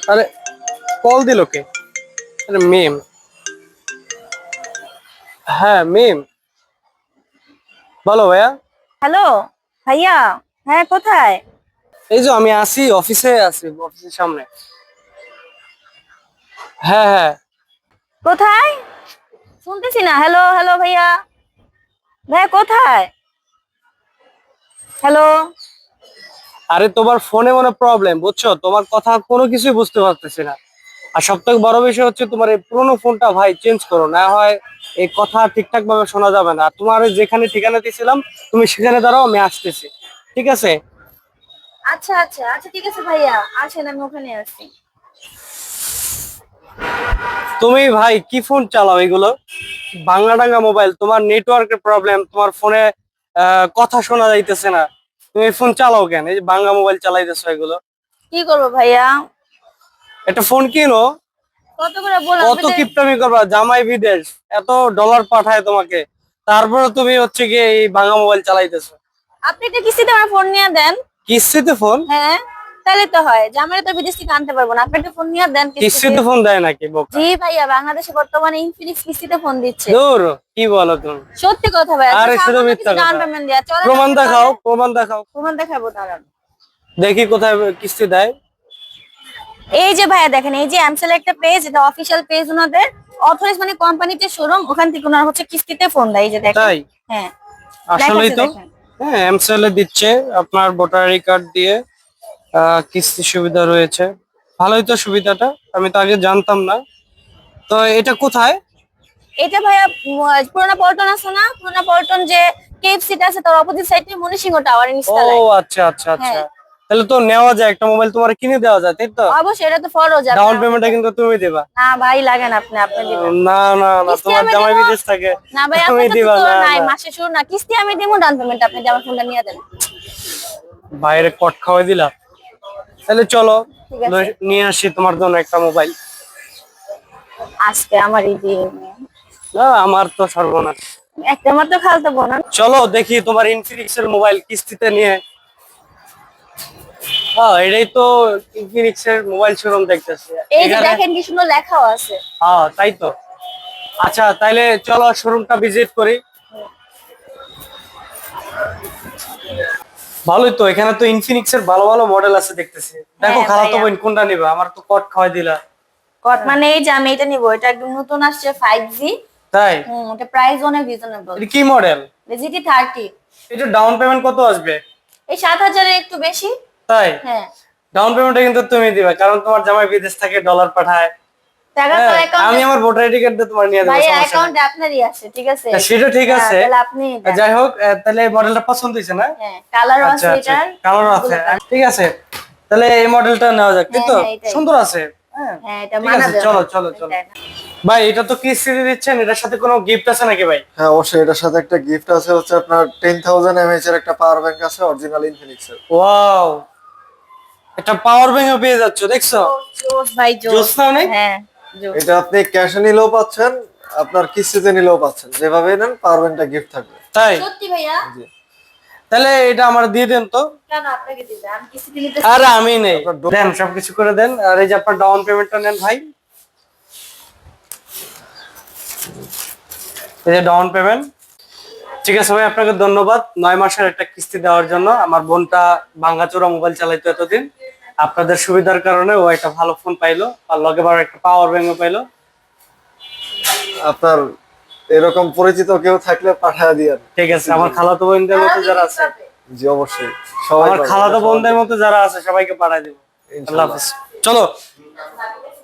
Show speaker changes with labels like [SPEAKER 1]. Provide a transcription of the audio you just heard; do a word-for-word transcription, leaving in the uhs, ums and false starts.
[SPEAKER 1] আরে কল দিল কে? আরে মিম। হ্যাঁ মিম, বলো ভাইয়া।
[SPEAKER 2] হ্যালো ভাইয়া। হ্যাঁ, কোথায়?
[SPEAKER 1] এই যে আমি আসি, অফিসে আছি, অফিসের সামনে। হ্যাঁ হ্যাঁ।
[SPEAKER 2] কোথায়? শুনতেছি না। হ্যালো হ্যালো ভাইয়া। ভাইয়া কোথায়? হ্যালো।
[SPEAKER 1] আরে তোমার ফোনে মনে প্রবলেম, বুঝছো? তোমার কথা কোনো কিছুই বুঝতে পারতেছি না। আর সব থেকে বড় বিষয় হচ্ছে তোমার এই পুরোনো ফোনটা ভাই চেঞ্জ করো, না হয় এই কথা ঠিকঠাক ভাবে শোনা যাবে না। তোমার ওই যেখানে ঠিকানা দিয়েছিলাম তুমি সেখানে দাঁড়াও, আমি আসতেছি। ঠিক আছে?
[SPEAKER 2] আচ্ছা আচ্ছা আচ্ছা, ঠিক আছে ভাইয়া, আসেন, আমি ওখানে আছি।
[SPEAKER 1] তুমি ভাই কি ফোন চালাও এগুলো? ভাঙা ডাঙ্গা মোবাইল, তোমার নেটওয়ার্কের প্রবলেম, তোমার ফোনে কথা শোনা যাইতেছে না। তুমি ফোন চালাও কেন? এই যে ভাঙা মোবাইল চালাইতেছো এগুলো।
[SPEAKER 2] কি করবো ভাইয়া?
[SPEAKER 1] একটা ফোন কিনো।
[SPEAKER 2] কত করে বললাম
[SPEAKER 1] কত
[SPEAKER 2] আপনি?
[SPEAKER 1] কিপটামি করবা? জামাই বিদেশ, এত ডলার পাঠায় তোমাকে, তারপরে তুমি হচ্ছে গিয়ে এই ভাঙা মোবাইল চালাইতেছো।
[SPEAKER 2] আপনি একটা কিস্তিতে আমার ফোন নিয়ে দেন।
[SPEAKER 1] কিস্তিতে ফোন?
[SPEAKER 2] হ্যাঁ, তাহলে তো হয় যে আমার তো বিদেশ থেকে আনতে পারবো না। আপনি একটা ফোন নিয়ে দেন কিস্তিতে।
[SPEAKER 1] কিস্তিতে ফোন দেয় নাকি বোকা?
[SPEAKER 2] জি ভাইয়া, বাংলাদেশে বর্তমানে ইনফিনিক্স কিস্তিতে ফোন দিচ্ছে।
[SPEAKER 1] দূর, কি বলো তুমি?
[SPEAKER 2] সত্যি কথা ভাইয়া, তো
[SPEAKER 1] আরে শুধু
[SPEAKER 2] সামান্য
[SPEAKER 1] মিথ্যা
[SPEAKER 2] কিছু ডাউন
[SPEAKER 1] কথা।
[SPEAKER 2] পেমেন্ট দেয়া চলে না
[SPEAKER 1] প্রমাণ
[SPEAKER 2] আপনার
[SPEAKER 1] দেখাও,
[SPEAKER 2] তাহলে?
[SPEAKER 1] প্রমাণ দেখাও।
[SPEAKER 2] প্রমাণ দেখাবো দাঁড়ান।
[SPEAKER 1] দেখি কোথায় কিস্তি দেয়।
[SPEAKER 2] এই যে ভাইয়া দেখেন, এই যে এমসেল একটা পেজ, এটা অফিসিয়াল পেজ ওনাদের। অথরাইজ মানে কোম্পানিতে শোরুম, ওখান থেকে ওনারা হচ্ছে কিস্তিতে ফোন দেয়। এই যে দেখেন।
[SPEAKER 1] তাই?
[SPEAKER 2] হ্যাঁ,
[SPEAKER 1] আসলেই
[SPEAKER 2] দেখাচ্ছে
[SPEAKER 1] তো।
[SPEAKER 2] দেখেন।
[SPEAKER 1] হ্যাঁ, এমসেল এ দিচ্ছে। আপনার ভোটার আই কার্ড দিয়ে আহ, কিস্তি সুবিধা রয়েছে। ভালোই তো সুবিধাটা, আমি তো আগে জানতাম না। তো এটা কোথায়?
[SPEAKER 2] এটা ভাইয়া উম, পুরোনো পল্টন আছে না, পুরোনো পল্টন যে কেএফসিটা আছে তার অপোজিট সাইডে মনিসিংহ টাওয়ার
[SPEAKER 1] ও
[SPEAKER 2] নিচতলায়।
[SPEAKER 1] আচ্ছা আচ্ছা আচ্ছা।
[SPEAKER 2] হ্যাঁ,
[SPEAKER 1] তাহলে তো নেওয়া যায়, একটা মোবাইল তোমার কিনে দেওয়া যায়, তাই তো?
[SPEAKER 2] অবশ্যই এটা তো ফরজ
[SPEAKER 1] ডাউন
[SPEAKER 2] আপনার।
[SPEAKER 1] পেমেন্টটা কিন্তু তুমি দিবা।
[SPEAKER 2] না ভাই, লাগেন, আপনি আপনি
[SPEAKER 1] আহ,
[SPEAKER 2] দিবেন।
[SPEAKER 1] না না না,
[SPEAKER 2] কিস্তি
[SPEAKER 1] তোমার
[SPEAKER 2] আমি
[SPEAKER 1] জামাই
[SPEAKER 2] দিব।
[SPEAKER 1] বিদেশ থাকে।
[SPEAKER 2] না ভাই,
[SPEAKER 1] তুমি
[SPEAKER 2] আপনার কাছে
[SPEAKER 1] দিবা
[SPEAKER 2] তো
[SPEAKER 1] না?
[SPEAKER 2] নাই,
[SPEAKER 1] না,
[SPEAKER 2] মাসে শুরু না, কিস্তি আমি দিব, ডাউন পেমেন্ট আপনি যে আমার ফোনটা নিয়ে দেন।
[SPEAKER 1] বাইরে কট খাওয়াই দিলা। তাহলে চলো,
[SPEAKER 2] ঠিক আছে,
[SPEAKER 1] লই- নিয়ে আসি তোমার জন্য একটা মোবাইল।
[SPEAKER 2] আজকে আমার এই যে
[SPEAKER 1] না, আমার তো সর্বনাশ।
[SPEAKER 2] একটা মাত্র খালতো বোন।
[SPEAKER 1] চলো দেখি তোমার ইনফিনিক্স এর মোবাইল কিস্তিতে নিয়ে। হ্যাঁ, এটাই তো ইনফিনিক্স এর মোবাইল শোরুম দেখতেছি
[SPEAKER 2] এই যে
[SPEAKER 1] এখানে।
[SPEAKER 2] দেখেন কি সুন্দর লেখাও আছে।
[SPEAKER 1] হ্যাঁ তাই তো। আচ্ছা তাইলে চলো শোরুমটা ভিজিট করি। ভালোই তো, এখানে তো ইনফিনিক্স এর ভালো ভালো মডেল আছে দেখতেছি। দেখো
[SPEAKER 2] হ্যাঁ
[SPEAKER 1] খালাতো
[SPEAKER 2] ভাইয়া,
[SPEAKER 1] বোন কোনটা নিবা, আমার তো কট খাওয়াই দিলা।
[SPEAKER 2] কট মানে এই যে আমি এটা নিবো, এটা একদম নতুন আসছে ফাইভ জি।
[SPEAKER 1] তাই?
[SPEAKER 2] হুম, এটা প্রাইস অনেক রিজনেবল।
[SPEAKER 1] এটা কি মডেল?
[SPEAKER 2] GT thirty.
[SPEAKER 1] এটা ডাউন পেমেন্ট কত আসবে?
[SPEAKER 2] এই সাত হাজারের একটু বেশি।
[SPEAKER 1] তাই?
[SPEAKER 2] হ্যাঁ,
[SPEAKER 1] ডাউন পেমেন্টটা কিন্তু তুমি দিবা, কারণ তোমার জামাই বিদেশ থেকে ডলার পাঠায়।
[SPEAKER 2] টাকা তো
[SPEAKER 1] হ্যাঁ, আমি
[SPEAKER 2] অ্যাকাউন্টে।
[SPEAKER 1] আমার ভোটার আইডি কার্ড দিয়ে তোমার নিয়ে দেবো,
[SPEAKER 2] ভাইয়া
[SPEAKER 1] সমস্যা নাই।
[SPEAKER 2] অ্যাকাউন্টে আপনারই আছে, ঠিক আছে।
[SPEAKER 1] তা সেটা ঠিক
[SPEAKER 2] হ্যাঁ,
[SPEAKER 1] আছে।
[SPEAKER 2] তাহলে আপনি দেন।
[SPEAKER 1] যাই হোক, আহ, তাহলে মডেলটা পছন্দ হয়েছে না?
[SPEAKER 2] হ্যাঁ, কালারও
[SPEAKER 1] আচ্ছা
[SPEAKER 2] আছে
[SPEAKER 1] আচ্ছা,
[SPEAKER 2] এটার।
[SPEAKER 1] কালার আছে।
[SPEAKER 2] অনেকগুলো colour।
[SPEAKER 1] ঠিক আছে, তাহলে এই মডেলটা নেওয়া যাক, তাই
[SPEAKER 2] হ্যাঁ
[SPEAKER 1] তো?
[SPEAKER 2] হ্যাঁ, এটাই।
[SPEAKER 1] সুন্দর আছে। হ্যাঁ,
[SPEAKER 2] হ্যাঁ, এটা
[SPEAKER 1] ঠিক আছে,
[SPEAKER 2] মানাবে
[SPEAKER 1] চলো
[SPEAKER 2] আমার।
[SPEAKER 1] চলো চলো।
[SPEAKER 2] তাই না?
[SPEAKER 1] ভাই এটা তো কিস্তিতে দিচ্ছেন, এটার সাথে কোনো গিফট আছে নাকি ভাই?
[SPEAKER 3] হ্যাঁ, অবশ্যই এটার সাথে একটা গিফট আছে, হচ্ছে আপনার টেন থাউজেন্ড এমএএইচ এর একটা পাওয়ার ব্যাংক আছে, অরিজিনাল ইনফিনিক্স এর।
[SPEAKER 1] ওয়াও, এটা পাওয়ার ব্যাংক পেয়ে যাচ্ছ, দেখছো?
[SPEAKER 2] জোস জোস ভাই,
[SPEAKER 1] জোস
[SPEAKER 2] জোস।
[SPEAKER 1] না অনেক?
[SPEAKER 2] হ্যাঁ, জোস।
[SPEAKER 3] এটা আপনি ক্যাশে নিলেও পাচ্ছেন, আপনার কিস্তিতে নিলেও পাচ্ছেন, যেভাবে নেন পাওয়ার ব্যাংকটা গিফট থাকবে।
[SPEAKER 1] তাই?
[SPEAKER 2] সত্যি ভাইয়া?
[SPEAKER 3] জি।
[SPEAKER 1] তাহলে এটা আমার দিয়ে দেন তো।
[SPEAKER 2] কেন আপনাকে দিবে? আমি কিস্তিতে নিতে।
[SPEAKER 1] আরে আমি নেই,
[SPEAKER 3] আপনার ডো-
[SPEAKER 1] দেন সবকিছু করে দেন। আর এই যে আপনার ডাউন পেমেন্টটা নেন ভাই, এই যে ডাউন পেমেন্ট। ঠিক আছে ভাই, আপনাকে ধন্যবাদ নয় মাসের একটা কিস্তি দেওয়ার জন্য। আমার বোনটা ভাঙ্গাচোরা মোবাইল চালাইতো এতদিন, আপনাদের সুবিধার কারণে ও একটা ভালো ফোন পাইলো, আর লগে বার একটা পাওয়ার ব্যাংকও পাইলো।
[SPEAKER 3] আপনার এরকম পরিচিত কেউ থাকলে পাঠায় দিয়েন।
[SPEAKER 1] ঠিক আছে, আমার খালাতো বোনদের মতো যারা আছে,
[SPEAKER 3] জি অবশ্যই, সবাই
[SPEAKER 1] আমার
[SPEAKER 3] পাবে,
[SPEAKER 1] খালাতো
[SPEAKER 3] সবার
[SPEAKER 1] বোনদের
[SPEAKER 3] জন্য।
[SPEAKER 1] মতো যারা আছে সবাইকে পাঠাই দেবো। আল্লাহ
[SPEAKER 3] ইনশাআল্লাহ।
[SPEAKER 1] হাফেজ। চলো।